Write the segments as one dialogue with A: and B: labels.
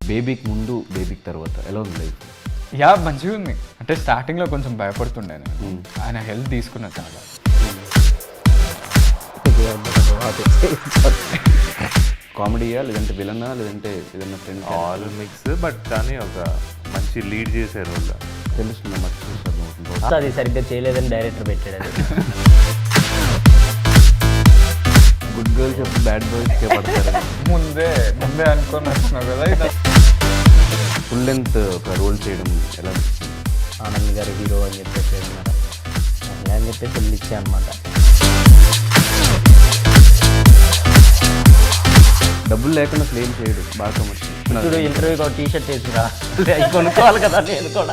A: బేబీకి ముందు బేబీకి తర్వాత ఎలా ఉంది లైఫ్?
B: యా మంచిగా ఉంది. అంటే స్టార్టింగ్లో కొంచెం భయపడుతుండే నేను. ఆయన హెల్ప్ తీసుకున్నా చాలా.
A: కామెడీయా లేదంటే విలనా లేదంటే ఏదన్నా ఫ్రెండ్?
C: ఆల్ మిక్స్, బట్ కానీ ఒక మంచి లీడ్ చేసే రోల్
A: తెలుస్తుంది అన్నమాట.
D: అది సరిగ్గా చేయలేదని డైరెక్టర్ పెట్టాడు. అది
A: గుడ్ గర్ల్స్ ఎప్పుడు బ్యాడ్ బాయ్స్కే పడతారు.
B: ముందే అనుకొని వచ్చినావు కదా. ఇది
A: ఫుల్ లెంత్ ఒక రోల్ చేయడం ఎలా?
D: ఆనంద్ గారు హీరో అని చెప్పేసి అన్నారు. అలా అని చెప్పేసి వెళ్ళి ఇచ్చా అనమాట.
A: డబ్బులు లేకుండా క్లెయిమ్ చేయడు బాగా కమర్షియల్.
D: ఇప్పుడు ఇంటర్వ్యూకి ఒక టీషర్ట్ వేసిరా కొనుక్కోవాలి కదా నేను కూడా.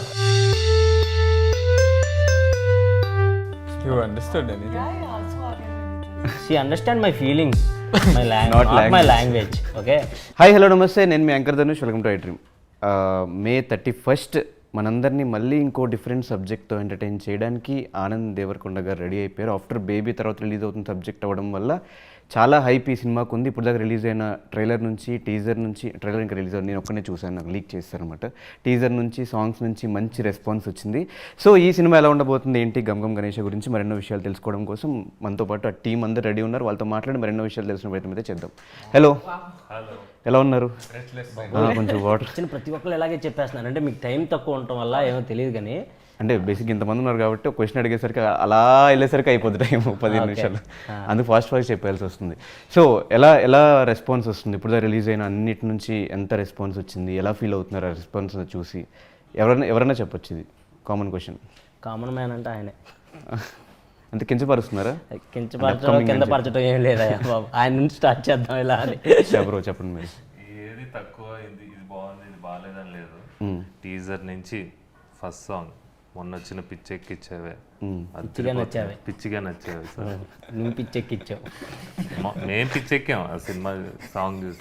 B: You understood anything?
D: She understand my feelings, my
A: Not
D: my language. Okay,
A: hi hello నమస్తే, నేను మీ anchor Dhanush. Welcome to I dream. May 31 మనందరినీ మళ్ళీ ఇంకో డిఫరెంట్ సబ్జెక్ట్తో ఎంటర్టైన్ చేయడానికి ఆనంద్ దేవరకొండ గారు రెడీ అయిపోయారు. ఆఫ్టర్ బేబీ తర్వాత రిలీజ్ అవుతున్న సబ్జెక్ట్ అవ్వడం వల్ల చాలా హైప్ ఈ సినిమాకు ఉంది. ఇప్పుడు దాకా రిలీజ్ అయిన ట్రైలర్ నుంచి, టీజర్ నుంచి, ట్రైలర్ ఇంకా రిలీజ్ అవ్వదు, నేను ఒక్కనే చూశాను, నాకు లీక్ చేస్తారనమాట. టీజర్ నుంచి, సాంగ్స్ నుంచి మంచి రెస్పాన్స్ వచ్చింది. సో ఈ సినిమా ఎలా ఉండబోతుంది ఏంటి, గమ్ గణేష్ గురించి మరెన్నో విషయాలు తెలుసుకోవడం కోసం మనతో పాటు ఆ టీం అందరూ రెడీ ఉన్నారు. వాళ్ళతో మాట్లాడి మరెన్నో విషయాలు తెలిసిన ప్రయత్నం అయితే చేద్దాం. హలో, ఎలా ఉన్నారు? కొంచెం వాటర్.
D: వచ్చిన ప్రతి ఒక్కరు ఇలాగే చెప్పేస్తున్నారు. అంటే మీకు టైం తక్కువ ఉండటం వల్ల ఏమో తెలియదు కానీ,
A: అంటే బేసిక్ ఇంతమంది ఉన్నారు కాబట్టి ఒక క్వశ్చన్ అడిగేసరికి అలా వెళ్ళేసరికి అయిపోతుంది టైం 15 నిమిషాలు. అందుకు ఫాస్ట్ చెప్పాల్సి వస్తుంది. సో ఎలా రెస్పాన్స్ వస్తుంది? ఇప్పుడు రిలీజ్ అయిన అన్నిటి నుంచి ఎంత రెస్పాన్స్ వచ్చింది? ఎలా ఫీల్ అవుతున్నారు ఆ రెస్పాన్స్ చూసి? ఎవరైనా చెప్పొచ్చు, ఇది కామన్ క్వశ్చన్.
D: కామన్ మ్యాన్ అంటే ఆయనే.
A: అంత కించపరుస్తున్నారా?
D: కించపరచడం కింద పరచడం ఏం లేదా బాబు, ఆయన నుంచి స్టార్ట్ చేద్దాం ఇలా అని.
A: బ్రో చెప్పండి మీరు.
C: ఏది తక్కువ, ఇది బాగుంది ఇది బాగాలేదని లేదు. టీజర్ నుంచి ఫస్ట్ సాంగ్ మొన్న వచ్చిన పిచ్చెక్కిచ్చావే, పిచ్చిగా నచ్చావే సార్.
D: నువ్వు పిచ్చెక్కిచ్చావు,
C: మేము పిచ్చెక్కాం ఆ సినిమా సాంగ్ చూసి.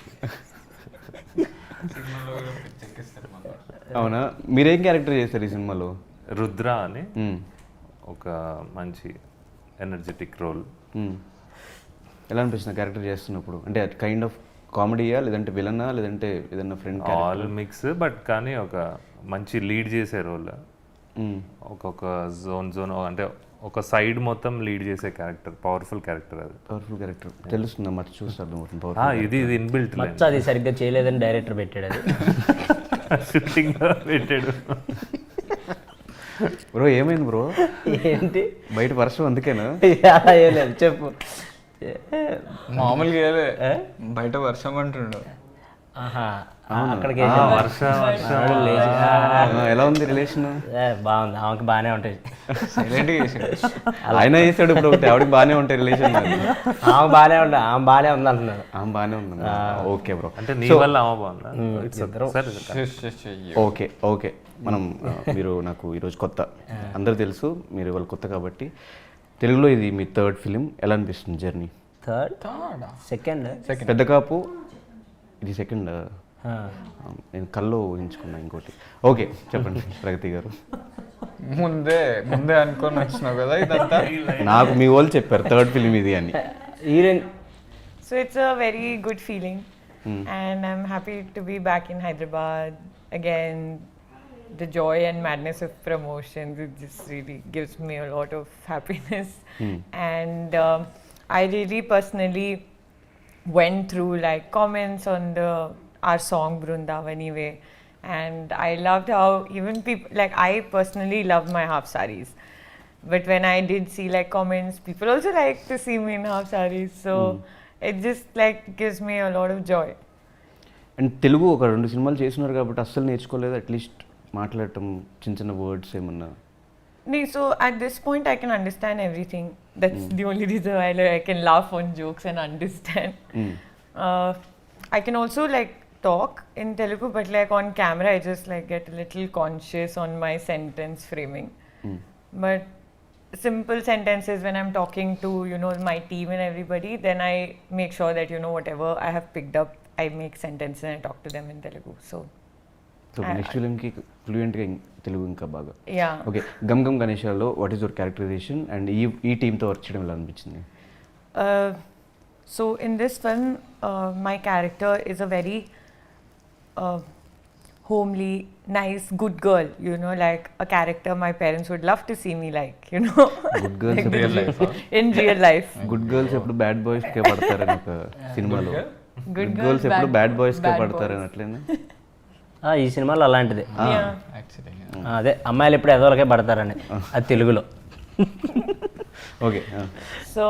A: అవునా? మీరేం క్యారెక్టర్ చేస్తారు ఈ సినిమాలో?
C: రుద్ర అని ఒక మంచి ఎనర్జెటిక్ రోల్.
A: ఎలా అనిపిస్తుంది క్యారెక్టర్ చేస్తున్నప్పుడు? అంటే కైండ్ ఆఫ్ కామెడీయా లేదంటే విలనా లేదంటే ఏదన్నా ఫ్రెండ్?
C: ఆల్ మిక్స్, బట్ కానీ ఒక మంచి లీడ్ చేసే రోల్. ఒక్కొక్క జోన్ అంటే ఒక సైడ్ మొత్తం లీడ్ చేసే క్యారెక్టర్, పవర్ఫుల్ క్యారెక్టర్. అది
A: పవర్ఫుల్ క్యారెక్టర్ తెలుస్తుందా? మచ్చ చూస్తాను.
C: ఇది ఇన్బిల్ట్.
D: అది సరిగ్గా చేయలేదని డైరెక్టర్ పెట్టాడు. అది
C: షూటింగ్ పెట్టాడు.
A: బ్రో ఏమైంది బ్రో?
D: ఏంటి
A: బయట వర్షం అందుకేనా?
D: ఏం లేదు, చెప్పు.
B: మామూలుగా బయట వర్షం అంటుండు.
D: అక్కడికి
A: ఎలా ఉంది రిలేషన్?
D: బాగుంది, ఆమెకి బాగానే ఉంటాయి.
A: ఆయన వేసాడు ఇప్పుడు ఒకటి, ఆవిడకి బాగానే ఉంటాయి రిలేషన్.
D: ఆమె బాగానే ఉంటాయి, ఆమె బాగానే ఉంది అంటున్నారు.
A: ఆమె బాగానే ఉంది. Okay bro.
C: అంటే నీ వల్ల ఆమె బాగుందా?
A: ఓకే మనం నాకు ఈరోజు కొత్త, అందరూ తెలుసు మీరు ఇవాళ కొత్త కాబట్టి. తెలుగులో ఇది మీ థర్డ్ ఫిలిం, ఎలా అనిపిస్తుంది జర్నీ?
D: సెకండ్
A: పెద్ద కాపు, ఇది సెకండ్. నేను కల్లో ఊహించుకున్నా ఇంకోటి. ఓకే చెప్పండి ప్రగతి గారు.
B: ముందే అనుకొని వచ్చినావు కదా. ఇదంతా
A: నాకు మీ వాళ్ళు చెప్పారు థర్డ్ ఫిలిం ఇది అని.
E: So it's a very good feeling, and I'm happy to be back in Hyderabad again. The joy and madness of promotions, it just really gives me a lot of happiness. And I really personally went through like comments on our song Brundavani Way, and I loved how even people, like I personally love my half sarees, but when I did see like comments, people also like to see me in half sarees, so it just like gives me a lot of joy.
A: And Telugu ఒక 2 సినిమాలు చేస్తున్నారు కాబట్టి అస్సలు నేర్చుకోలేదు? At least మాట్లాడటం, చిన్న words ఏమన్నా?
E: So at this point I can understand everything. That's the only reason why I can laugh on jokes and understand. I can also like talk in Telugu, but like on camera I just like get a little conscious on my sentence framing. But simple sentences when I'm talking to my team and everybody, then I make sure that whatever I have picked up, I make sentences and I talk to them in Telugu. So
A: next ఫిలింకి ఫ్లూయెంట్గా తెలుగు ఇంకా బాగా.
E: Yeah.
A: Okay, గమ్ గణేషాలో what is your characterization and ఈ టీంతో work చేయడం ఎలా అనిపించింది?
E: So in this film, my character is a very homely, nice, good girl, you know, like a character my parents would love to see me like, you know.
A: Good girls
B: real life
E: In real life.
A: Good girls ఎప్పుడు bad boys కే పడతారని ఒక సినిమాలో
E: Good
A: good
E: girls,
A: girls ఎప్పుడు
E: bad-
A: bad boys కే
E: bad
A: పడతారని
E: boys.
A: అట్లేనా
D: ఈ సినిమాలో అలాంటిదే
E: Yeah.
B: యాక్చువల్లీ
D: అదే అమ్మాయిలు ఎప్పుడు ఎదవలకే పడతారని అది తెలుగులో.
A: Okay
E: So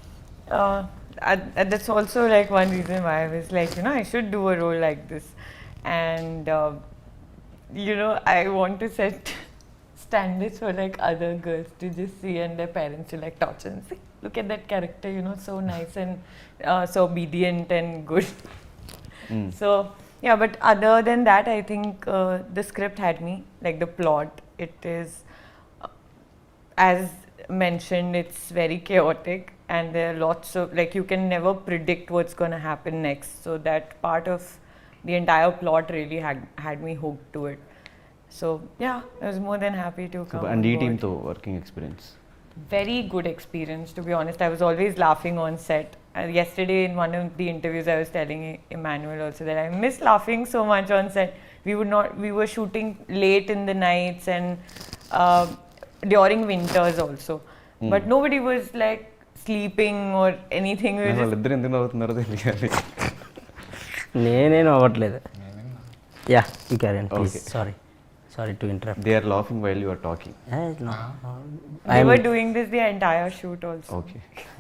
E: that's also like one reason why I was like, you know, I should do a role like this. And, you know, I want to set standards for like other girls to just see and their parents to like torture and say, look at that character, you know, so nice and so obedient and good. So, yeah, but other than that, I think the script had me, like the plot. It is, as mentioned, it's very chaotic and there are lots of, like, you can never predict what's going to happen next. So that part of the entire plot really had me hooked to it. So, yeah, I was more than happy to come
A: and ఈ
E: on board.
A: టీంతో working experience
E: Very good experience, to be honest. I was always laughing on set. Yesterday, in one of the interviews, I was telling Emmanuel also that I miss laughing so much on set. We were shooting late in the nights and during winters also. But nobody was like sleeping or anything. We were just
A: వాళ్ళిద్దరు ఎందుకు నవ్వుతున్నారో తెలియాలి
D: నేనేం అవ్వట్లేదు. Yeah you carry please. Sorry to interrupt.
A: They are laughing while you are talking
E: we were doing this the entire shoot also.
A: Okay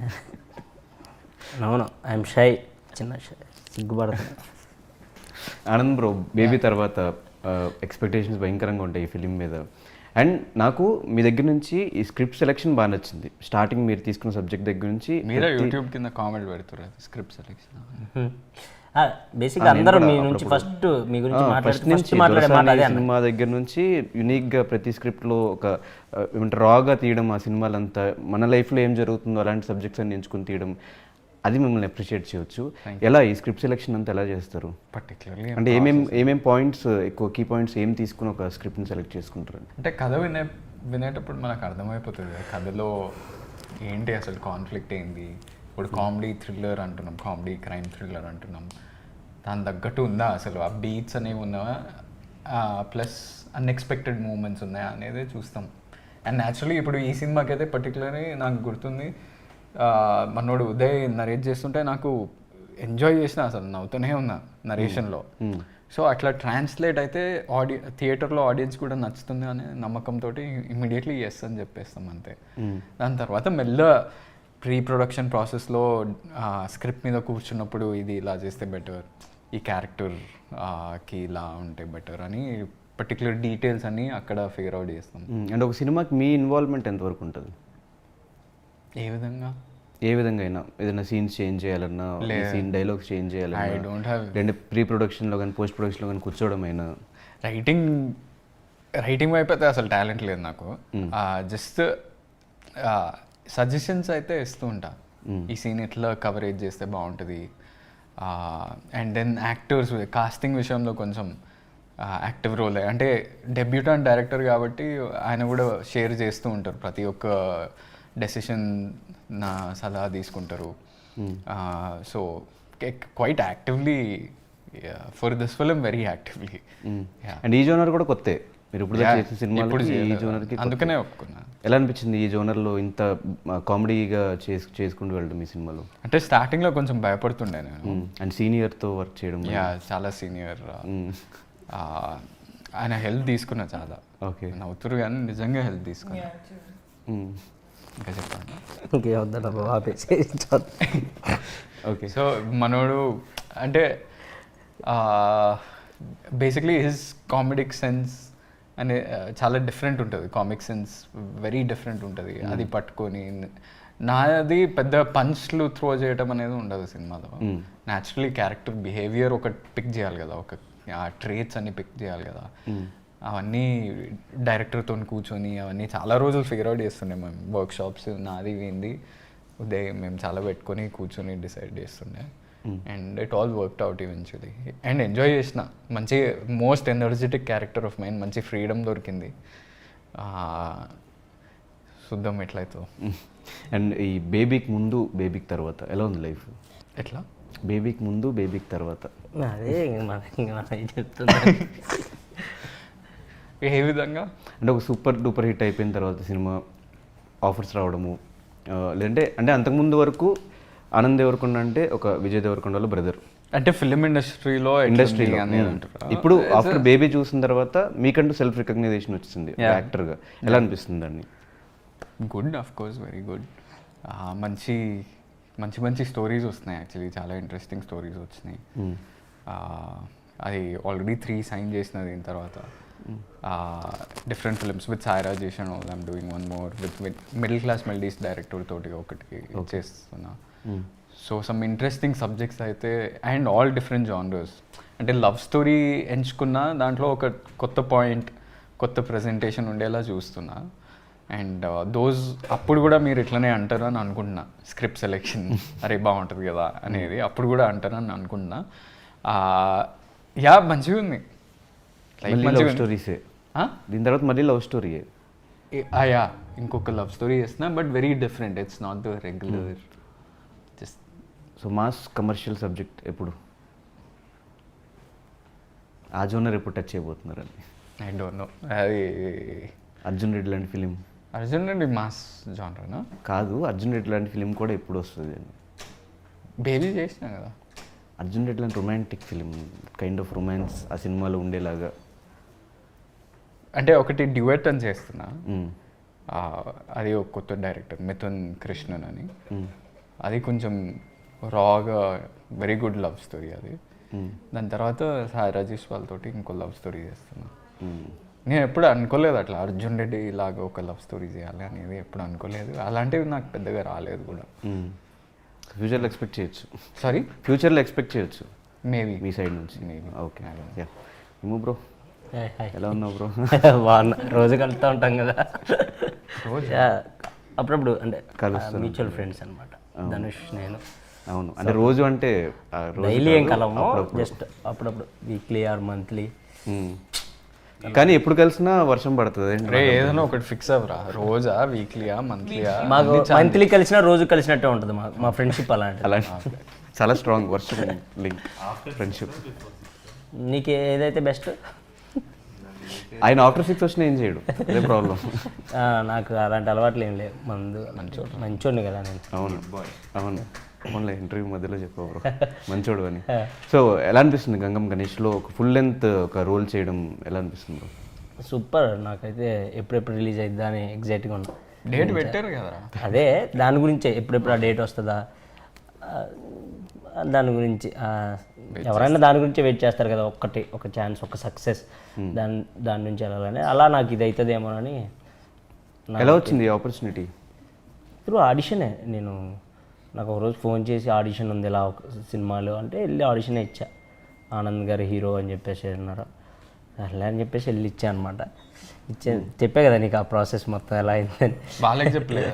D: అవును I'm shy, చిన్న shy, సిగ్గుపడుతున్నా.
A: Anand bro baby తర్వాత expectations భయంకరంగా ఉంటాయి ఈ ఫిలిం మీద. అండ్ నాకు మీ దగ్గర నుంచి ఈ స్క్రిప్ట్ సెలెక్షన్ బాగా నచ్చింది. స్టార్టింగ్ మీరు తీసుకున్న సబ్జెక్ట్ దగ్గర నుంచి
B: మీరే యూట్యూబ్ కింద కామెంట్ పెడుతున్నారు స్క్రిప్ట్ సెలెక్షన్.
D: బేసిక్గా అందరూ మీ నుంచి ఫస్ట్ మీ గురించి
A: ఫస్ట్ నుంచి
D: మాట్లాడే మాట అదే అన్న.
A: సినిమా దగ్గర నుంచి యూనిక్గా ప్రతి స్క్రిప్ట్లో ఒక ఏమంటారు రాగా తీయడం, ఆ సినిమాలంతా మన లైఫ్లో ఏం జరుగుతుందో అలాంటి సబ్జెక్ట్స్ అన్ని ఎంచుకుని తీయడం, అది మిమ్మల్ని అప్రిషియేట్ చేయొచ్చు. ఎలా ఈ స్క్రిప్ట్ సెలెక్షన్ అంతా ఎలా చేస్తారు?
B: పర్టికులర్లీ
A: అంటే ఏమేం పాయింట్స్, ఎక్కువ కీ పాయింట్స్ ఏం తీసుకుని ఒక స్క్రిప్ట్ని సెలెక్ట్ చేసుకుంటారు?
B: అంటే కథ వినేటప్పుడు మనకు అర్థమైపోతుంది కథలో ఏంటి అసలు కాన్ఫ్లిక్ట్ ఏంది. ఇప్పుడు కామెడీ థ్రిల్లర్ అంటున్నాం, కామెడీ క్రైమ్ థ్రిల్లర్ అంటున్నాం, దాని తగ్గట్టు ఉందా అసలు ఆ బీట్స్ అనేవి ఉన్నావా, ప్లస్ అన్ఎక్స్పెక్టెడ్ మూమెంట్స్ ఉన్నాయా అనేది చూస్తాం. అండ్ న్యాచురలీ ఇప్పుడు ఈ సినిమాకి అయితే పర్టికులర్లీ నాకు గుర్తుంది, మనోడు ఉదయ్ నరేట్ చేస్తుంటే నాకు ఎంజాయ్ చేసిన, అసలు నవ్వుతూనే ఉన్నా నరేషన్లో. సో అట్లా ట్రాన్స్లేట్ అయితే థియేటర్లో ఆడియన్స్ కూడా నచ్చుతుంది అనే నమ్మకంతో ఇమీడియట్లీ ఎస్ అని చెప్పేస్తాం అంతే. దాని తర్వాత మెల్ల ప్రీ ప్రొడక్షన్ ప్రాసెస్లో స్క్రిప్ట్ మీద కూర్చున్నప్పుడు ఇది ఇలా చేస్తే బెటర్, ఈ క్యారెక్టర్కి ఇలా ఉంటే బెటర్ అని పర్టికులర్ డీటెయిల్స్ అన్నీ అక్కడ ఫిగర్ అవుట్ చేస్తాం.
A: అండ్ ఒక సినిమాకి మీ ఇన్వాల్వ్మెంట్ ఎంతవరకు ఉంటుంది?
B: ఏ
A: విధంగా అయినా ఏదైనా సీన్స్ చేంజ్ చేయాలన్నా, సీన్ డైలాగ్స్ చేంజ్
B: ఐ
A: చేయాలన్నా,
B: డోంట్ హ్యావ్
A: లేదంటే ప్రీ ప్రొడక్షన్లో కానీ పోస్ట్ ప్రొడక్షన్లో కానీ కూర్చోవడం అయినా?
B: రైటింగ్ వైపు అయితే అసలు టాలెంట్ లేదు నాకు. జస్ట్ సజెషన్స్ అయితే ఇస్తూ ఉంటా, ఈ సీన్ ఎట్లా కవరేజ్ చేస్తే బాగుంటుంది. అండ్ దెన్ యాక్టర్స్ కాస్టింగ్ విషయంలో కొంచెం యాక్టివ్ రోల్, అంటే డెబ్యూటాంట్ డైరెక్టర్ కాబట్టి ఆయన కూడా షేర్ చేస్తూ ఉంటారు, ప్రతి ఒక్క డెసిషన్ నా సలహా తీసుకుంటారు. So quite actively for this film, very actively.
A: And ఈ జోనర్ కూడా కొత్తే, మీరు ఇప్పుడు చేసిన సినిమాలు ఈ జోనర్కి
B: అందుకనే ఒప్పుకున్నా.
A: ఎలా అనిపించింది ఈ జోనర్లో ఇంత కామెడీగా చేసుకుంటూ వెళ్ళడం ఈ సినిమాలో?
B: అంటే స్టార్టింగ్లో కొంచెం భయపడుతుండే నేను.
A: అండ్ సీనియర్తో వర్క్ చేయడం,
B: చాలా సీనియర్, ఆయన హెల్ప్ తీసుకున్నా చాలా.
A: ఓకే,
B: నవ్వుతురు కానీ నిజంగా హెల్ప్ తీసుకున్నా. ఇంకా చెప్పండి.
D: ఇంకేమొద్దా ఆపేసి.
A: ఓకే,
B: సో మనోడు అంటే బేసిక్లీ హిజ్ కామెడిక్ సెన్స్ అనే చాలా డిఫరెంట్ ఉంటుంది, కామిక్ సెన్స్ వెరీ డిఫరెంట్ ఉంటుంది. అది పట్టుకొని నాది పెద్ద పంచ్లు త్రో చేయడం అనేది ఉండదు సినిమాలో. న్యాచురలీ క్యారెక్టర్ బిహేవియర్ ఒకటి పిక్ చేయాలి కదా, ఒక ఆ ట్రేట్స్ అన్ని పిక్ చేయాలి కదా, అవన్నీ డైరెక్టర్తో కూర్చొని అవన్నీ చాలా రోజులు ఫిగర్ అవుట్ చేస్తుండే మేము. వర్క్షాప్స్ నాది ఏంది ఉదయం మేము చాలా పెట్టుకొని కూర్చొని డిసైడ్ చేస్తుండే. And it all worked out eventually. And enjoy చేసిన, మంచి most energetic character of mind, మంచి ఫ్రీడమ్ దొరికింది. చూద్దాం ఎట్లయితే.
A: అండ్ ఈ బేబీకి ముందు బేబీకి తర్వాత ఎలా ఉంది లైఫ్?
B: ఎట్లా
A: బేబీకి ముందు బేబీకి తర్వాత?
D: అదే మనం చెప్తున్నా.
B: ఏ విధంగా?
A: అంటే ఒక సూపర్ డూపర్ హిట్ అయిపోయిన తర్వాత సినిమా ఆఫర్స్ రావడము, లేదంటే అంటే అంతకుముందు వరకు ఆనంద్ దేవరకొండ అంటే ఒక విజయ్ దేవరకొండ వాళ్ళ బ్రదర్
B: అంటే ఫిలిం ఇండస్ట్రీలో అనేది అంటారా?
A: ఇప్పుడు ఆఫ్టర్ బేబీ చూసిన తర్వాత మీకంటూ సెల్ఫ్ రికగ్నైజేషన్ వచ్చింది యాక్టర్గా, ఎలా అనిపిస్తుంది అండి?
B: Good, of course, very good. మంచి మంచి మంచి స్టోరీస్ వస్తున్నాయి, యాక్చువల్లీ చాలా ఇంట్రెస్టింగ్ స్టోరీస్ వచ్చినాయి. అది ఆల్రెడీ 3 సైన్ చేసిన దీని తర్వాత డిఫరెంట్ ఫిల్మ్స్ విత్ సాయిరా చేసాను. I'm doing 1 more with middle class melodies director తోటి ఒకటి చేస్తున్నా. సో సమ్ ఇంట్రెస్టింగ్ సబ్జెక్ట్స్ అయితే, అండ్ ఆల్ డిఫరెంట్ జానర్స్. అంటే లవ్ స్టోరీ ఎంచుకున్నా దాంట్లో ఒక కొత్త పాయింట్, కొత్త ప్రజెంటేషన్ ఉండేలా చూస్తున్నా. అండ్ అప్పుడు కూడా మీరు ఇట్లనే అంటారు అని అనుకుంటున్నా. స్క్రిప్ట్ సెలెక్షన్ అరే బాగుంటుంది కదా అనేది అప్పుడు కూడా అంటారు అని అనుకుంటున్నా. యా, మంచిగా ఉంది.
A: లవ్ స్టోరీసే దీని తర్వాత మళ్ళీ లవ్ స్టోరీయే.
B: యా, ఇంకొక లవ్ స్టోరీ చేస్తున్నా, but very different. It's not the regular just.
A: So mass commercial subject ఎప్పుడు, ఆ జోనర్ ఎప్పుడు టచ్ చేయబోతున్నారండి?
B: I don't know. అది
A: అర్జున్ రెడ్డి లాంటి ఫిలిం.
B: అర్జున్ రెడ్డి మాస్ జానరేనా?
A: కాదు, అర్జున్ రెడ్డి లాంటి ఫిలిం కూడా ఎప్పుడు వస్తుంది అండి?
B: బేబీ చేసినా కదా.
A: అర్జున్ రెడ్డి లాంటి romantic film, kind of romance ఆ సినిమాలో ఉండేలాగా.
B: అంటే ఒకటి డ్యూయట్ అని చేస్తున్నా. అది ఒక కొత్త డైరెక్టర్ మిథున్ కృష్ణన్ అని. అది కొంచెం రాగా వెరీ గుడ్ లవ్ స్టోరీ అది. దాని తర్వాత సాయి రాజేష్ వాళ్ళతోటి ఇంకో లవ్ స్టోరీ చేస్తున్నా. నేను ఎప్పుడు అనుకోలేదు అట్లా అర్జున్ రెడ్డి ఇలాగా ఒక లవ్ స్టోరీ చేయాలి అనేది ఎప్పుడు అనుకోలేదు. అలాంటివి నాకు పెద్దగా రాలేదు కూడా.
A: ఫ్యూచర్లో ఎక్స్పెక్ట్ చేయొచ్చు.
B: సారీ,
A: ఫ్యూచర్లో ఎక్స్పెక్ట్ చేయొచ్చు
B: మేబీ
A: మీ సైడ్ నుంచి.
B: మేబీ.
A: Okay, yeah. ఏమో బ్రో, ఎలా ఉన్నావు బ్రో?
D: బాగున్నా, రోజు కలుస్తూ ఉంటాం కదా.
B: రోజు
D: అప్పుడప్పుడు అంటే
A: కలుస్తాం.
D: మ్యూచువల్ ఫ్రెండ్స్ అనమాట ధనుష్ నేను.
A: అవును, అంటే రోజు అంటే
D: డైలీ ఏం కలము, జస్ట్ అప్పుడప్పుడు వీక్లీ ఆర్ మంత్లీ.
A: కానీ ఎప్పుడు కలిసినా వర్షం పడుతుంది.
B: ఏదైనా ఒకటి ఫిక్స్ అవ్వరా, రోజా, వీక్లీయా, మంత్లీయా?
D: మాకు మంత్లీ కలిసినా రోజు కలిసినట్టే ఉంటుంది మా ఫ్రెండ్షిప్. అలాంటి
A: చాలా స్ట్రాంగ్ వర్షం లింక్ ఫ్రెండ్షిప్.
D: నీకు ఏదైతే బెస్ట్?
A: ఆయన ఆఫ్టర్ 6 వచ్చినా ఏం చేయడు, అదే ప్రాబ్లం.
D: నాకు అలాంటి అలవాట్లు ఏం లేవు. మంచోడిని కదా నేను.
A: అవును అవును, అవునులే, ఇంటర్వ్యూ మధ్యలో చెప్పావు బ్రో మంచోడు అని. సో ఎలా అనిపిస్తుంది గంగం గణేష్లో ఒక ఫుల్ లెంత్ ఒక రోల్ చేయడం, ఎలా అనిపిస్తుంది బ్రో?
D: సూపర్, నాకైతే ఎప్పుడెప్పుడు రిలీజ్ అయిద్దా అని ఎగ్జైట్గా ఉన్నా.
B: డేట్ పెట్టారు కదా.
D: అదే దాని గురించే, ఎప్పుడెప్పుడు ఆ డేట్ వస్తుందా దాని గురించి. ఎవరైనా దాని గురించి వెయిట్ చేస్తారు కదా, ఒక ఛాన్స్, ఒక సక్సెస్, దాని నుంచి వెళ్ళాలని. అలా నాకు ఇది అవుతుందేమోనని.
A: ఎలా వచ్చింది ఆపర్చునిటీ?
D: త్రూ ఆడిషనే. నాకు ఒకరోజు ఫోన్ చేసి ఆడిషన్ ఉంది ఇలా ఒక సినిమాలో అంటే వెళ్ళి ఆడిషనే ఇచ్చా. ఆనంద్ గారు హీరో అని చెప్పేసి అన్నారు. అలా అని చెప్పేసి వెళ్ళి ఇచ్చా అనమాట. చెప్పే కదా నీకు ఆ ప్రాసెస్ మొత్తం ఎలా అయిందని.
B: వాళ్ళకి చెప్పలేదు.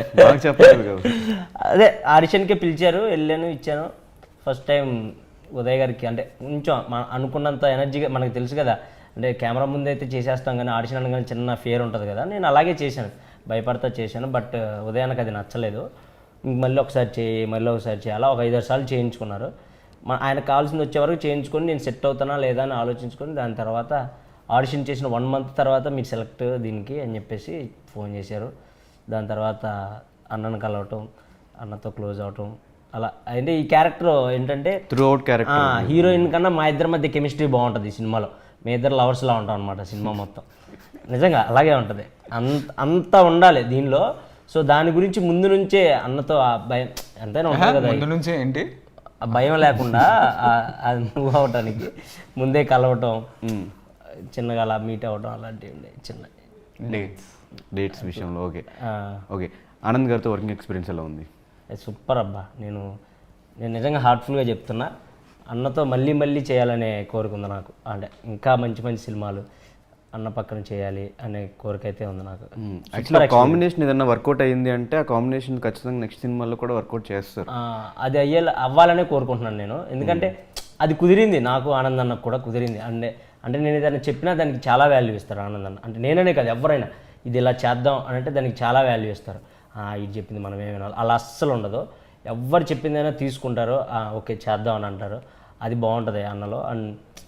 D: అదే ఆడిషన్కే పిలిచారు, వెళ్ళాను, ఇచ్చాను. ఫస్ట్ టైం ఉదయ్ గారికి అంటే కొంచెం అనుకున్నంత ఎనర్జీగా, మనకు తెలుసు కదా అంటే కెమెరా ముందు అయితే చేసేస్తాం కానీ ఆడిషన్ అనగానే చిన్న ఫియర్ ఉంటుంది కదా. నేను అలాగే చేశాను, భయపడతా చేశాను. బట్ ఉదయానికి అది నచ్చలేదు. మళ్ళీ ఒకసారి చేయి అలా ఒక 5-6 సార్లు చేయించుకున్నారు. ఆయనకు కావాల్సింది వచ్చే వరకు చేయించుకొని నేను సెట్ అవుతానా లేదా అని ఆలోచించుకొని దాని తర్వాత ఆడిషన్ చేసిన 1 month తర్వాత మీరు సెలెక్ట్ దీనికి అని చెప్పేసి ఫోన్ చేశారు. దాని తర్వాత అన్నను కలవటం, అన్నతో క్లోజ్ అవటం, అలా. అంటే ఈ క్యారెక్టర్ ఏంటంటే
A: త్రూ అవుట్ క్యారెక్టర్
D: హీరోయిన్ కన్నా మా ఇద్దరి మధ్య కెమిస్ట్రీ బాగుంటుంది ఈ సినిమాలో. మీ ఇద్దరు లవర్స్లా ఉంటాం అనమాట సినిమా మొత్తం. నిజంగా అలాగే ఉంటుంది, అంతా ఉండాలి దీనిలో. సో దాని గురించి ముందు నుంచే అన్నతో ఆ భయం ఎంతైనా ఉంటుంది కదా,
B: ముందు నుంచే ఏంటి
D: ఆ భయం లేకుండా అది మూవ్ అవటానికి ముందే కలవటం, చిన్నగా అలా మీట్ అవ్వడం అలాంటివి ఉండే చిన్న
A: డేట్స్ విషయంలో. ఓకే ఓకే, ఆనంద్ గారితో వర్కింగ్ ఎక్స్పీరియన్స్ ఎలా ఉంది?
D: సూపర్ అబ్బా. నేను నిజంగా హార్ట్ఫుల్గా చెప్తున్నా, అన్నతో మళ్ళీ చేయాలనే కోరిక ఉంది నాకు. అంటే ఇంకా మంచి సినిమాలు అన్న పక్కన చేయాలి అనే కోరిక అయితే ఉంది నాకు.
A: యాక్చువల్లీ కాంబినేషన్ ఏదన్నా వర్కౌట్ అయ్యింది అంటే ఆ కాంబినేషన్ ఖచ్చితంగా నెక్స్ట్ సినిమాలో కూడా వర్కౌట్ చేస్తారు.
D: అది అవ్వాలనే కోరుకుంటున్నాను నేను. ఎందుకంటే అది కుదిరింది, నాకు ఆనంద్ అన్నకు కూడా కుదిరింది. అంటే నేను ఏదైనా చెప్పినా దానికి చాలా వాల్యూ ఇస్తారు ఆనంద్ అన్న. అంటే నేననే కాదు, ఎవరైనా ఇది ఇలా చేద్దాం అని అంటే దానికి చాలా వాల్యూ ఇస్తారు. ఇది చెప్పింది మనం ఏమి వినాలి అలా అస్సలు ఉండదు. ఎవరు చెప్పిందైనా తీసుకుంటారు, ఓకే చేద్దాం అని అంటారు. అది బాగుంటుంది అన్నలో. అండ్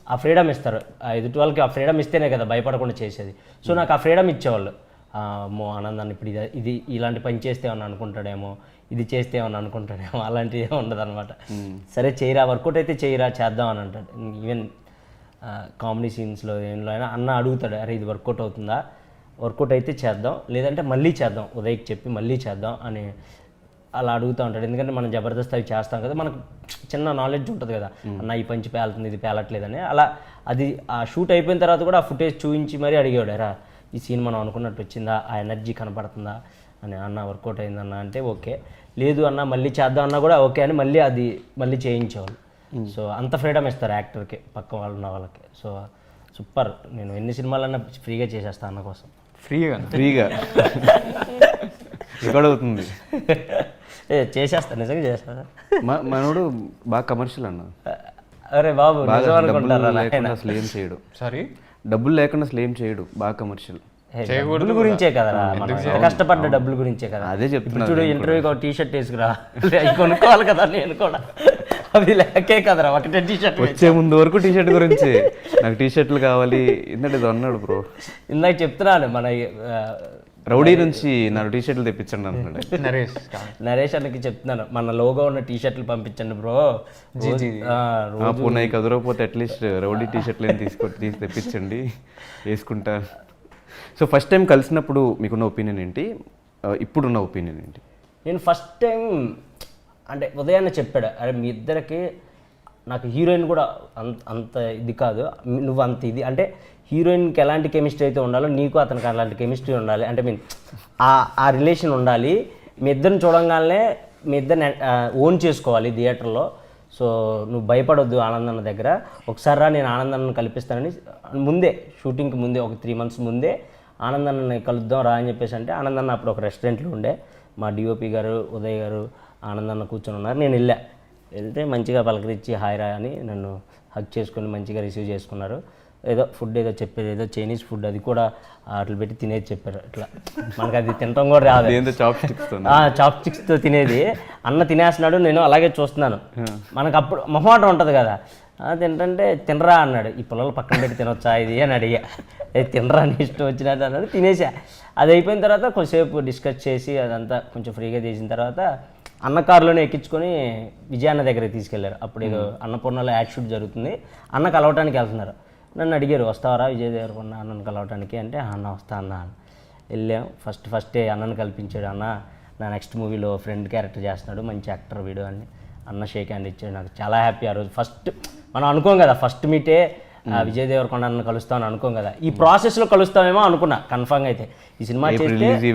D: ఆ ఫ్రీడమ్ ఇస్తారు. ఆ ఎదుటి వాళ్ళకి ఆ ఫ్రీడమ్ ఇస్తేనే కదా భయపడకుండా చేసేది. సో నాకు ఆ ఫ్రీడమ్ ఇచ్చేవాళ్ళు. అమ్మో ఆనందాన్ని ఇప్పుడు ఇది ఇలాంటి పని చేస్తే ఏమన్నా అనుకుంటాడేమో, ఇది చేస్తే ఏమన్నా అనుకుంటాడేమో, అలాంటివి ఏమి ఉండదు అనమాట. సరే చేయరా, వర్కౌట్ అయితే చేయరా, చేద్దాం అని అంటాడు. ఈవెన్ కామెడీ సీన్స్లో ఏంలో అయినా అన్న అడుగుతాడు, అరే ఇది వర్కౌట్ అవుతుందా, వర్కౌట్ అయితే చేద్దాం, లేదంటే మళ్ళీ చేద్దాం, ఉదయ్కి చెప్పి మళ్ళీ చేద్దాం అని అలా అడుగుతూ ఉంటాడు. ఎందుకంటే మనం జబర్దస్త్ అవి చేస్తాం కదా, మనకు చిన్న నాలెడ్జ్ ఉంటుంది కదా, అన్న ఈ పంచి పేలుతుంది, ఇది పేలట్లేదని. అలా అది ఆ షూట్ అయిపోయిన తర్వాత కూడా ఆ ఫుటేజ్ చూపించి మరీ అడిగాడు, రా ఈ సీన్ మనం అనుకున్నట్టు వచ్చిందా, ఆ ఎనర్జీ కనపడుతుందా అని. అన్న వర్కౌట్ అయిందన్న అంటే ఓకే, లేదు అన్న మళ్ళీ చేద్దాం అన్నా కూడా ఓకే అని మళ్ళీ చేయించేవాళ్ళు. సో అంత ఫ్రీడమ్ ఇస్తారు యాక్టర్కి, పక్క వాళ్ళు ఉన్న వాళ్ళకి. So super. నేను ఎన్ని సినిమాలన్నా ఫ్రీగా చేసేస్తాను అన్న కోసం.
B: ఫ్రీగా
A: రికార్డ్ అవుతుంది.
D: చేసేస్తాను, నిజంగా చేస్తాను.
A: మనోడు బాగా కమర్షియల్ అన్న.
D: అరే బాబు నిజం
A: డబ్బులు
D: అనుకుంటారా?
A: లేకుండా అసలు ఏం చేయడు.
B: సారీ,
A: డబ్బులు లేకుండా అసలు ఏం చేయడు, బాగా కమర్షియల్.
D: డబ్బుల గురించే కదరా, మనం కష్టపడ్డ డబ్బుల గురించే కదా.
A: అదే చెప్తున్నా.
D: చూడు ఇంటర్వ్యూకి ఒక టీషర్ట్ వేసుకురా, అవి కొనుక్కోవాలి కదా నేను కూడా, అవి లేకే కదరా ఒకటే టీషర్ట్.
A: వచ్చే ముందు వరకు టీషర్ట్ గురించి నాకు టీషర్ట్లు కావాలి ఇందంటే ఇది అన్నాడు బ్రో.
D: ఇందాక చెప్తున్నాను మన
A: రౌడీ నుంచి నాకు టీషర్ట్లు తెప్పించండి అన్నాడు
B: నరేష్.
D: అన్నకి చెప్తున్నాను, మన లోగో ఉన్న టీషర్ట్లు పంపించండి బ్రో.
A: పూనాయి కదరకపోతే అట్లీస్ట్ రౌడీ టీషర్ట్లు ఏం తీసి తెప్పించండి, వేసుకుంటా. సో ఫస్ట్ టైం కలిసినప్పుడు మీకున్న ఒపీనియన్ ఏంటి, ఇప్పుడున్న ఒపీనియన్ ఏంటి?
D: నేను ఫస్ట్ టైం అంటే ఉదయాన్నే చెప్పాడు, అరే మీ ఇద్దరికి నాకు హీరోయిన్ కూడా అంత ఇది కాదు, నువ్వు అంత ఇది అంటే హీరోయిన్కి ఎలాంటి కెమిస్ట్రీ అయితే ఉండాలో నీకు అతనికి అలాంటి కెమిస్ట్రీ ఉండాలి, అంటే మీన్ ఆ రిలేషన్ ఉండాలి. మీ ఇద్దరిని చూడంగానే మీ ఇద్దరిని ఓన్ చేసుకోవాలి థియేటర్లో. సో నువ్వు భయపడొద్దు ఆనందన్న దగ్గర, ఒకసారి రా నేను ఆనందన్నను కల్పిస్తానని ముందే, షూటింగ్కి ముందే ఒక 3 months ముందే ఆనందన్నని కలుద్దాం రా అని చెప్పేసి అంటే, ఆనందన్న అప్పుడు ఒక రెస్టారెంట్లో ఉండే, మా డిఓపి గారు ఉదయ్ గారు ఆనందన్న కూర్చొని ఉన్నారు. నేను వెళ్తే మంచిగా పలకరించి హాయ్ రా అని నన్ను హగ్ చేసుకొని మంచిగా రిసీవ్ చేసుకున్నారు. ఏదో ఫుడ్ ఏదో చెప్పారు, ఏదో చైనీస్ ఫుడ్, అది కూడా అట్లా పెట్టి తినేది చెప్పారు. అట్లా మనకు అది తినడం కూడా రాదు, చాప్ స్టిక్స్తో తినేది. అన్న తినేస్తున్నాడు, నేను అలాగే చూస్తున్నాను. మనకు అప్పుడు మొహమాటం ఉంటుంది కదా, తింటే తినరా అన్నాడు. ఈ పిల్లలు పక్కన పెట్టి తినొచ్చా ఇది అని అడిగా. తినరా అని ఇష్టం వచ్చినట్టు అన్నాడు, తినేసా. అది అయిపోయిన తర్వాత కొంచెంసేపు డిస్కస్ చేసి అదంతా కొంచెం ఫ్రీగా చేసిన తర్వాత అన్న కారులోనే ఎక్కించుకొని విజయాన్న దగ్గరికి తీసుకెళ్లారు. అప్పుడు ఏదో అన్నపూర్ణలో యాడ్ షూట్ జరుగుతుంది, అన్న కలవటానికి వెళ్తున్నారు. నన్ను అడిగారు, వస్తావరా విజయ్ దేవరకొండ అన్నను కలవటానికి అంటే, అన్న వస్తా అన్న. వెళ్ళాం. ఫస్టే అన్నను కల్పించాడు. అన్న నా నెక్స్ట్ మూవీలో ఫ్రెండ్ క్యారెక్టర్ చేస్తున్నాడు, మంచి యాక్టర్ వీడు అని అన్న షేక్ హ్యాండ్ ఇచ్చాడు. నాకు చాలా హ్యాపీ. ఆ రోజు ఫస్ట్ మనం అనుకోం కదా, ఫస్ట్ మీటే విజయ్ దేవరకొండ అన్న కలుస్తామని అనుకోం కదా, ఈ ప్రాసెస్లో కలుస్తామేమో అనుకున్నా. కన్ఫామ్గా అయితే ఈ సినిమా చేస్తే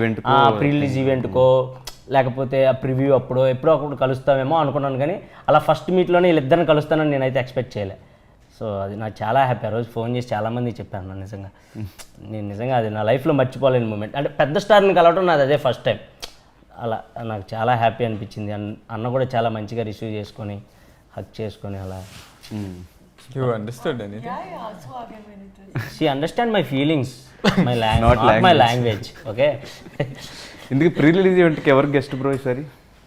D: ప్రీ రిలీజ్ ఈవెంట్కో లేకపోతే ఆ ప్రివ్యూ ఎప్పుడో అప్పుడు కలుస్తామేమో అనుకున్నాను, కానీ అలా ఫస్ట్ మీట్లోనే వీళ్ళిద్దరిని కలుస్తానని నేనైతే ఎక్స్పెక్ట్ చేయలే. సో అది నాకు చాలా హ్యాపీ. ఆ రోజు ఫోన్ చేసి చాలామంది చెప్పాను నా నిజంగా, నేను నిజంగా అది నా లైఫ్లో మర్చిపోలేని మూమెంట్. అంటే పెద్ద స్టార్ని కలవడం నాది అదే ఫస్ట్ టైం. అలా నాకు చాలా హ్యాపీ అనిపించింది. అన్న కూడా చాలా మంచిగా రిసీవ్ చేసుకొని హక్ చేసుకొని అలా.
B: You understood anything?
E: Yeah, so again when it was.
D: She understand my feelings, not my language. Okay.
A: ఇందుకు ప్రీ రిలీజ్ ఈవెంట్కి ఎవరు గెస్ట్ బ్రో ఈసారి?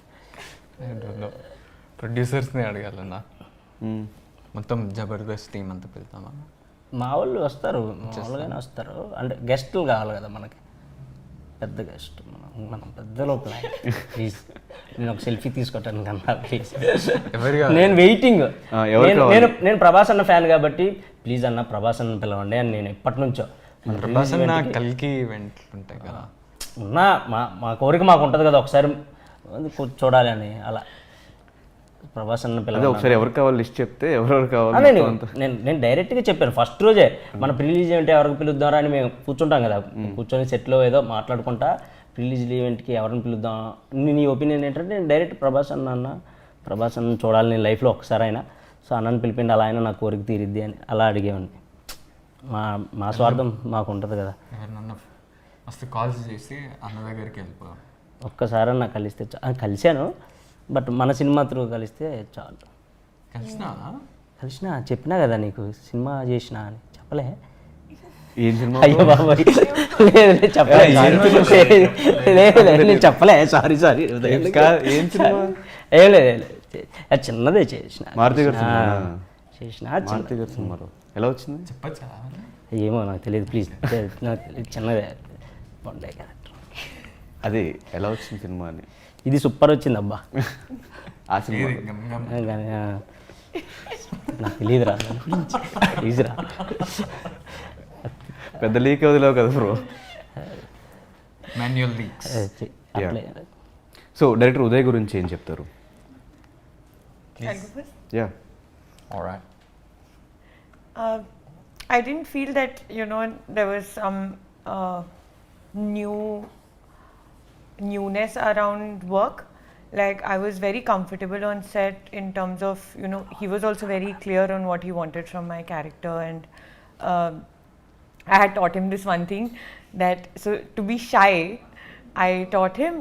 B: ప్రొడ్యూసర్స్ని అడగాలన్నా, మొత్తం జబర్దస్త్ టీం అంతా వెళ్తామా?
D: మా వాళ్ళు వస్తారు, మామూలుగానే వస్తారు. అంటే గెస్టులు కావాలి కదా మనకి, పెద్ద గెస్ట్. మనం పెద్దలో ప్లాన్. ప్లీజ్ నేను ఒక సెల్ఫీ తీసుకోవటానికి అన్నా ప్లీజ్. నేను వెయిటింగ్. నేను ప్రభాస్ అన్న ఫ్యాన్ కాబట్టి ప్లీజ్ అన్న ప్రభాస్ అన్న పిలవండి అని నేను ఎప్పటి నుంచో.
B: ప్రభాస్ అన్న కల్కి ఈవెంట్లు ఉంటాయి కదా,
D: ఉన్నా మా కోరిక మాకు ఉంటుంది కదా ఒకసారి చూడాలి అని. అలా ప్రభాస్ అన్న పిల్లలు
A: ఒకసారి ఎవరు కావాలి లిస్ట్ చెప్తే ఎవరెవరు కావాలి
D: నేను డైరెక్ట్గా చెప్పాను. ఫస్ట్ రోజే మన ప్రిలీజ్ ఈవెంట్ ఎవరికి పిలుద్దారా అని మేము కూర్చుంటాం కదా, కూర్చొని సెట్లో ఏదో మాట్లాడుకుంటా ప్రిలీజ్ ఈవెంట్కి ఎవరిని పిలుద్దాం, నీ ఒపీనియన్ ఏంటంటే నేను డైరెక్ట్ ప్రభాస్ అన్న చూడాలి నేను లైఫ్లో ఒకసారి అయినా. సో అన్నని పిలిపిండి అలా అయినా నా కోరిక తీరిద్ది అని అలా అడిగేవాడిని. మా స్వార్థం మాకు ఉంటుంది కదా.
B: ఫస్ట్ కాల్స్ చేసి అన్న దగ్గరికి వెళ్ళిపో,
D: ఒక్కసారి నాకు కలిశాను, బట్ మన సినిమా త్రూ కలిస్తే చాలు. కలిసినా చెప్పినా కదా నీకు సినిమా చేసినా అని చెప్పలే. అయ్యో బాబాయ్ లేదు చెప్పలే, సారీ
A: ఏం సినిమా?
D: ఏం లేదు చిన్నదే చేసిన, చేసిన
A: మారుతి గారి సినిమాలో ఎలా వచ్చింది?
B: చెప్పచ్చా?
D: ఏమో నాకు తెలియదు ప్లీజ్. నాకు తెలియదు, చిన్నదే బాగుండే క్యారెక్టర్.
A: అదే ఎలా వచ్చింది సినిమా అని.
D: ఇది సూపర్ వచ్చింది అబ్బా.
A: ఆ సినిమా
D: కానీ నాకు తెలియదురా ప్లీజ్రా.
A: పెద్ద లీక్ వదిలేవు కదా బ్రో.
B: Manual leaks.
D: అట్లే.
A: సో డైరెక్టర్ ఉదయ్ గురించి ఏం చెప్తారు?
E: I'll go first.
A: Yeah
B: alright.
E: I didn't feel that, you know, there was some newness around work. Like, I was very comfortable on set in terms of, you know, he was also very clear on what he wanted from my character, and I had taught him this one thing, that so to be shy, I taught him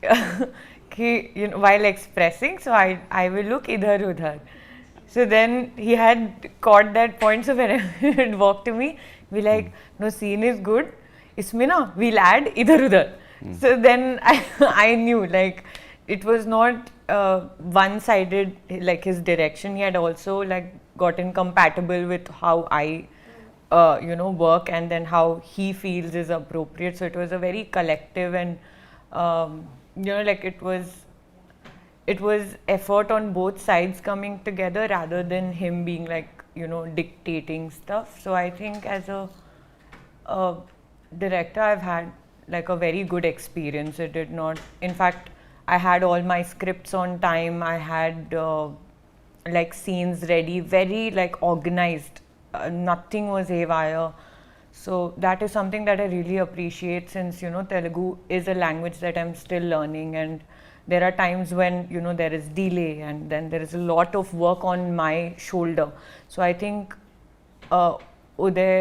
E: you know, while expressing, so I will look idhar udhar. So then he had caught that point, so when he would walk to me, be like, no, scene is good, isme na we'll add idhar udhar. So then I knew, like, it was not one-sided, like his direction. He had also like gotten compatible with how I you know, work, and then how he feels is appropriate. So it was a very collective and you know, like it was effort on both sides coming together rather than him being like, you know, dictating stuff. So I think as a director, I've had like a very good experience. It did not, in fact, I had all my scripts on time. I had like scenes ready, very like organized. Nothing was haywire. So that is something that I really appreciate, since, you know, Telugu is a language that I'm still learning, and there are times when, you know, there is delay, and then there is a lot of work on my shoulder. So I think Uday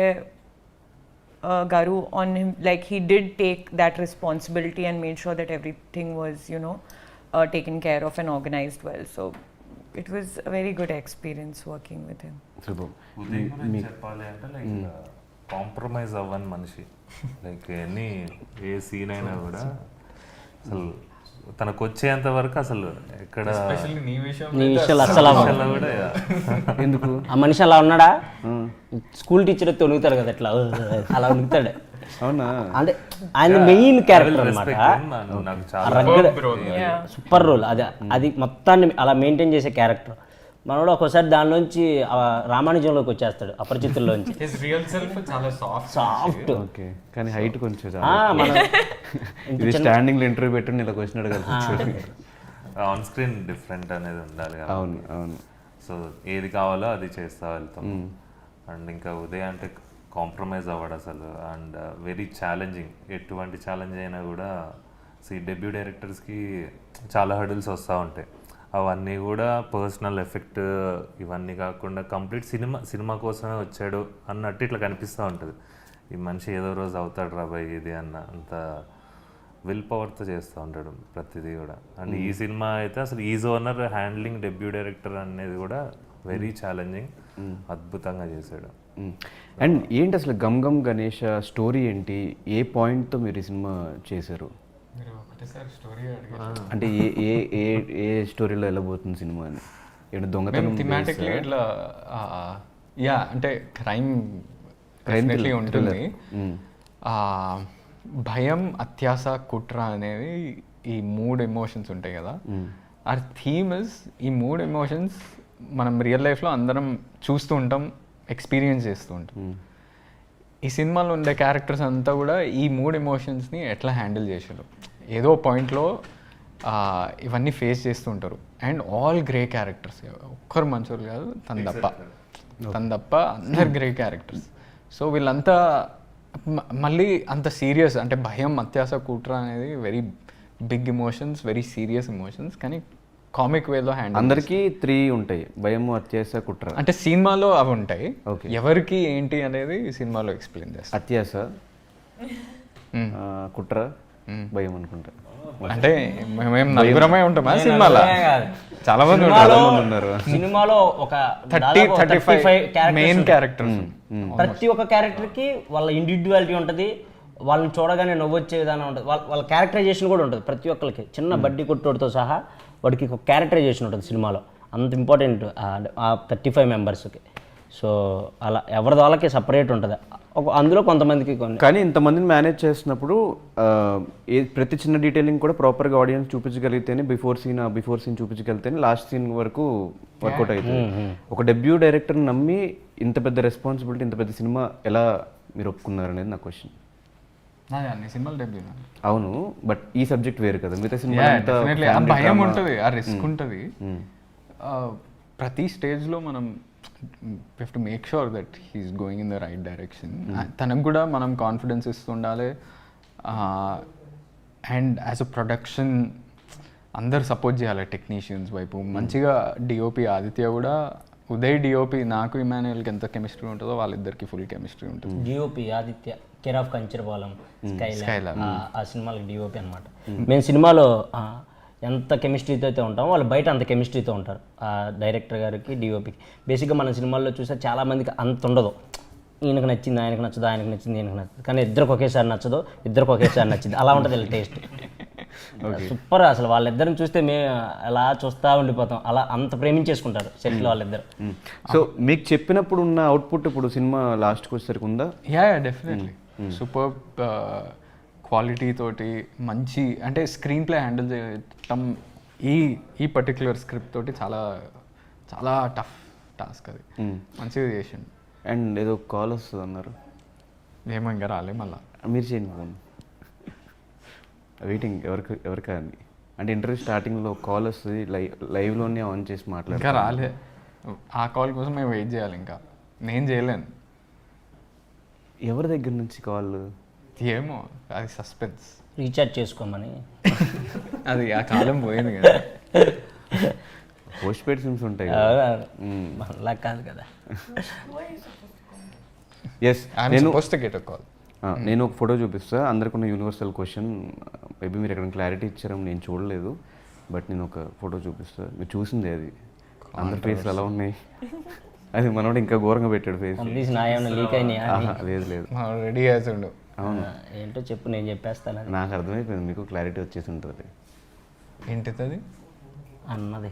E: Garu, on him, like, he did take that responsibility and made sure that everything was, you know, taken care of and organized well. So it was a very good experience working with him.
C: Uday గురించి చెప్పాలి అంటే like compromise అవ్వని మనిషి. Like any ఏ scene అయినా కూడా అసలు తనకు వచ్చేంత వరకు అసలు ఎక్కడ
B: ఎస్పెషల్లీ నీ
D: నీ విషయాలు అస్సలు
C: అలా కూడా
A: ఎందుకు
D: ఆ మనిషి అలా ఉన్నాడా? స్కూల్ టీచర్ తొలుగుతాడు కదా అట్లా అలా ఉనుకుతాడు.
A: అవునా?
D: అంటే ఆయన మెయిన్ క్యారెక్టర్ అనమాట.
C: నాకు చాలా
E: Yeah.
D: Super role. అది మొత్తాన్ని అలా మెయింటైన్ చేసే క్యారెక్టర్. మనోడు ఒక్కోసారి దానిలోంచి రామానుజంలోకి వచ్చేస్తాడు, అపరిచితుల్లోంచి.
B: హిస్ రియల్ సెల్ఫ్ చాలా
D: సాఫ్ట్.
A: ఓకే, కానీ హైట్ కొంచెం
D: మన
A: ఇది స్టాండింగ్ లో ఇంటర్వ్యూ పెట్టి ఇలా వచ్చినాడు కదా.
C: ఆన్ స్క్రీన్ డిఫరెంట్ అనేది ఉండాలి కదా.
A: అవును అవును.
C: సో ఏది కావాలో అది చేస్తా వెళ్తాం. అండ్ ఇంకా ఉదయ్ అంటే కాంప్రమైజ్ అవ్వడు అసలు. And very challenging. ఎటువంటి ఛాలెంజ్ అయినా కూడా డెబ్యూ డైరెక్టర్స్కి చాలా హర్డిల్స్ వస్తూ ఉంటాయి. అవన్నీ కూడా పర్సనల్ ఎఫెక్ట్ ఇవన్నీ కాకుండా కంప్లీట్ సినిమా కోసమే వచ్చాడు అన్నట్టు ఇట్లా కనిపిస్తూ ఉంటుంది. ఈ మనిషి ఏదో రోజు అవుతాడు రాబాయ్ ఇది అన్న అంత విల్ పవర్తో చేస్తూ ఉంటాడు ప్రతిదీ కూడా. అండ్ ఈ సినిమా అయితే అసలు is owner handling debut director అనేది కూడా వెరీ ఛాలెంజింగ్. అద్భుతంగా చేశాడు.
A: అండ్ ఏంటి అసలు గమ్ గమ్ గణేష్ స్టోరీ ఏంటి? ఏ పాయింట్తో మీరు ఈ సినిమా చేశారు?
B: స్టోరీ
A: అంటే ఏ ఏ ఏ స్టోరీలో వెళ్ళబోతుంది సినిమా అని? ఏంటి దొంగతనం
B: థిమాటిక్లీ ఇట్లా యా అంటే క్రైమ్ డెఫినెట్లీ ఉంటుంది. భయం, అత్యాస, కుట్ర అనేవి ఈ 3 ఎమోషన్స్ ఉంటాయి కదా. ఆ థీమ్ ఇస్ ఈ 3 ఎమోషన్స్ మనం రియల్ లైఫ్లో అందరం చూస్తూ ఉంటాం, ఎక్స్పీరియన్స్ చేస్తూ ఉంటాం. ఈ సినిమాలో ఉండే క్యారెక్టర్స్ అంతా కూడా ఈ 3 ఎమోషన్స్ని ఎట్లా హ్యాండిల్ చేశారు. ఏదో పాయింట్లో ఇవన్నీ ఫేస్ చేస్తూ ఉంటారు. అండ్ ఆల్ గ్రే క్యారెక్టర్స్, ఒక్కరు మంచోళ్ళు కాదు, తన తప్ప అందరు గ్రే క్యారెక్టర్స్. సో వీళ్ళంతా మళ్ళీ అంత సీరియస్, అంటే భయం, అత్యాస, కుట్ర అనేది very big emotions, very serious emotions, కానీ కామిక్ వేలో హ్యాండిల్.
A: అందరికీ 3 ఉంటాయి, భయం, అత్యాస, కుట్ర.
B: అంటే సినిమాలో అవి ఉంటాయి. ఎవరికి ఏంటి అనేది సినిమాలో ఎక్స్ప్లెయిన్ చేస్తారు.
A: అత్యాస, కుట్ర, భయం అనుకుంటా.
B: అంటే మేము నలుగురమే ఉంటామా సినిమాలో? చాలా మంది
A: ఉన్నారు
D: సినిమాలో. ఒక
B: 30-35 మెయిన్ క్యారెక్టర్స్.
D: ప్రతి ఒక్క క్యారెక్టర్కి వాళ్ళ ఇండివిజువాలిటీ ఉంటుంది. వాళ్ళని చూడగానే నవ్వొచ్చే విధానం ఉంటుంది. వాళ్ళ క్యారెక్టరైజేషన్ కూడా ఉంటుంది ప్రతి ఒక్కరికి. చిన్న బడ్డీ కొట్టోడితో సహా వాడికి ఒక క్యారెక్టరైజేషన్ ఉంటుంది సినిమాలో. అంత ఇంపార్టెంట్ ఆ 35 మెంబర్స్కి. సో అలా ఎవరిది వాళ్ళకి సపరేట్ ఉంటుంది. అందులో కొంతమందికి కొన్ని
A: కానీ ఇంతమందిని మేనేజ్ చేస్తున్నప్పుడు ప్రతి చిన్న డీటెయిలింగ్ కూడా ప్రాపర్గా ఆడియన్స్ చూపించగలిగితేనే బిఫోర్ సీన్ చూపించగలిగితేనే లాస్ట్ సీన్ వరకు వర్కౌట్ అవుతుంది. ఒక డెబ్యూ డైరెక్టర్ని నమ్మి ఇంత పెద్ద రెస్పాన్సిబిలిటీ, ఇంత పెద్ద సినిమా ఎలా మీరు ఒప్పుకున్నారు అనేది నా క్వశ్చన్.
B: నాది అన్ని సినిమాలు డెబ్యూ.
A: అవును, బట్ ఈ సబ్జెక్ట్ వేరు కదా, మిగతా సినిమా
B: ఆ భయం ఉంటుంది, ఆ రిస్క్ ఉంటుంది. ప్రతి స్టేజ్లో మనం we to make sure that he's going in the right direction. తనకు కూడా మనం కాన్ఫిడెన్స్ ఇస్తుండాలి. అండ్ యాజ్ అ ప్రొడక్షన్ అందరు సపోర్ట్ చేయాలి. టెక్నీషియన్స్ వైపు మంచిగా డిఓపి ఆదిత్య కూడా, ఉదయ్ డిఓపి నాకు ఇమాన్యుయల్కి ఎంత కెమిస్ట్రీ ఉంటుందో వాళ్ళిద్దరికి ఫుల్ కెమిస్ట్రీ ఉంటుంది.
D: DOP Aditya, care of Kancharapalem, Skylab, ఆ సినిమాలకి డిఓపి అనమాట. మేము సినిమాలో ఎంత కెమిస్ట్రీతో అయితే ఉంటామో వాళ్ళు బయట అంత కెమిస్ట్రీతో ఉంటారు. ఆ డైరెక్టర్ గారికి, డిఓపికి. బేసిక్గా మన సినిమాల్లో చూస్తే చాలామందికి అంత ఉండదు. ఈయనకు నచ్చింది, ఆయనకు నచ్చదు, ఆయనకు నచ్చింది, ఈయనకు నచ్చదు. కానీ ఇద్దరికి ఒకేసారి నచ్చదు, ఇద్దరికి ఒకేసారి నచ్చింది. అలా ఉంటుంది వీళ్ళ టేస్ట్. సూపర్. అసలు వాళ్ళిద్దరిని చూస్తే మేము అలా చూస్తూ ఉండిపోతాం. అలా అంత ప్రేమించేసుకుంటారు సెట్లో వాళ్ళిద్దరు.
A: సో మీకు చెప్పినప్పుడు ఉన్న అవుట్పుట్ ఇప్పుడు సినిమా లాస్ట్కి వచ్చేసరికి ఉందా?
B: యా డెఫినెట్లీ సూపర్ క్వాలిటీ తోటి మంచి, అంటే స్క్రీన్ ప్లే హ్యాండిల్ చేయటం ఈ పర్టిక్యులర్ స్క్రిప్ట్ తోటి చాలా చాలా టఫ్ టాస్క్. అది మంచిగా చేసిండు.
A: అండ్ ఏదో కాల్ వస్తుంది అన్నారు,
B: ఏమో ఇంకా రాలే. మళ్ళీ
A: మీరు చేయండి ఫోన్, వెయిటింగ్ ఎవరికా అని. అంటే ఇంటర్వ్యూ స్టార్టింగ్లో కాల్ వస్తుంది, లైవ్లోనే ఆన్ చేసి
B: ఇంకా
A: మాట్లాడారు.
B: రాలే. ఆ కాల్ కోసం మేము వెయిట్ చేయాలి. ఇంకా నేను చేయలేను.
A: ఎవరి దగ్గర నుంచి కాల్?
B: ఏమో, అది సస్పెన్స్.
D: రీఛార్జ్ చేసుకోమని.
B: అది ఆ కాలం పోయింది కదా.
A: పోస్ట్ పెయిడ్ సిమ్స్ ఉంటాయి.
D: అలా కాదు కదా.
A: ఎస్, నేను
B: కాల్.
A: నేను ఒక ఫోటో చూపిస్తా. అందరికీ యూనివర్సల్ క్వశ్చన్, మేబీ మీరు ఎక్కడ క్లారిటీ ఇచ్చారని నేను చూడలేదు, బట్ నేను ఒక ఫోటో చూపిస్తా. మీరు చూసిందే అది, అందరి ఫేస్లు అలా ఉన్నాయి. అది మనోడు ఇంకా ఘోరంగా పెట్టాడు ఫేస్.
D: లీక్ అయినాయా?
A: లేదు లేదు,
B: రెడీ చేసిండు.
A: అవును,
D: ఏంటో చెప్పు, నేను చెప్పేస్తాను.
A: నాకు అర్థమైపోయింది, మీకు క్లారిటీ వచ్చేసి ఉంటుంది.
B: ఏంటిది అది
D: అన్నది?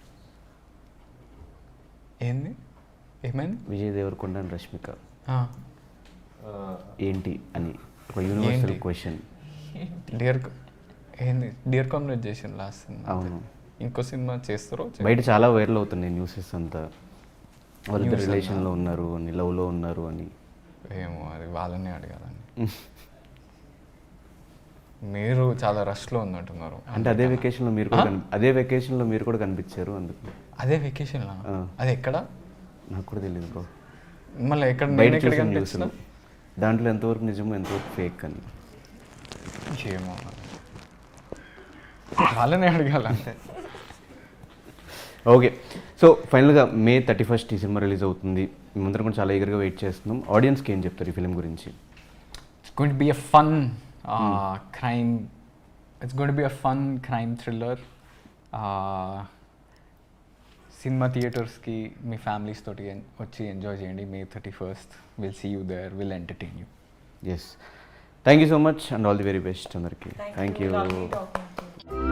B: ఏంది, ఏమైంది?
A: విజయ్ దేవరకొండ అండ్ రష్మిక ఏంటి అని ఒక యూనివర్సల్ క్వశ్చన్.
B: డియర్ కామ్రేడ్ చేసిన లాస్ట్ సినిమా.
A: అవును,
B: ఇంకో సినిమా చేస్తారో?
A: బయట చాలా వైరల్ అవుతున్నాయి న్యూసెస్ అంతా, వాళ్ళిద్దరు రిలేషన్లో ఉన్నారు అని, లవ్లో ఉన్నారు అని.
B: ఏమో, అది వాళ్ళని అడగాలని. మీరు చాలా రష్లో ఉన్నట్టున్నారు.
A: అంటే అదే వెకేషన్లో మీరు కూడా కనిపించారు అందుకు.
B: అదే వెకేషన్లో? అది ఎక్కడ?
A: నాకు కూడా తెలియదు బ్రో.
B: మళ్ళీ ఎక్కడ?
A: బయట చూసాను న్యూస్లో, దాంట్లో ఎంతవరకు నిజమో ఎంతవరకు ఫేక్ అని.
B: ఏమో, వాళ్ళని అడగాలంటే.
A: ఓకే, సో ఫైనల్గా May 31 ఈ సినిమా రిలీజ్ అవుతుంది. మేమందరం కూడా చాలా ఈగర్గా వెయిట్ చేస్తున్నాం. ఆడియన్స్కి ఏం చెప్తారు ఈ ఫిలిం గురించి?
B: It's going to be a fun crime. It's going to be a fun crime thriller. సినిమా థియేటర్స్కి మీ ఫ్యామిలీస్ తోటి వచ్చి ఎంజాయ్ చేయండి. May 31. We'll see you there. We'll entertain you.
A: Yes, thank you so much and all the very best అందరికీ. Thank you.
E: Lovely talking to you.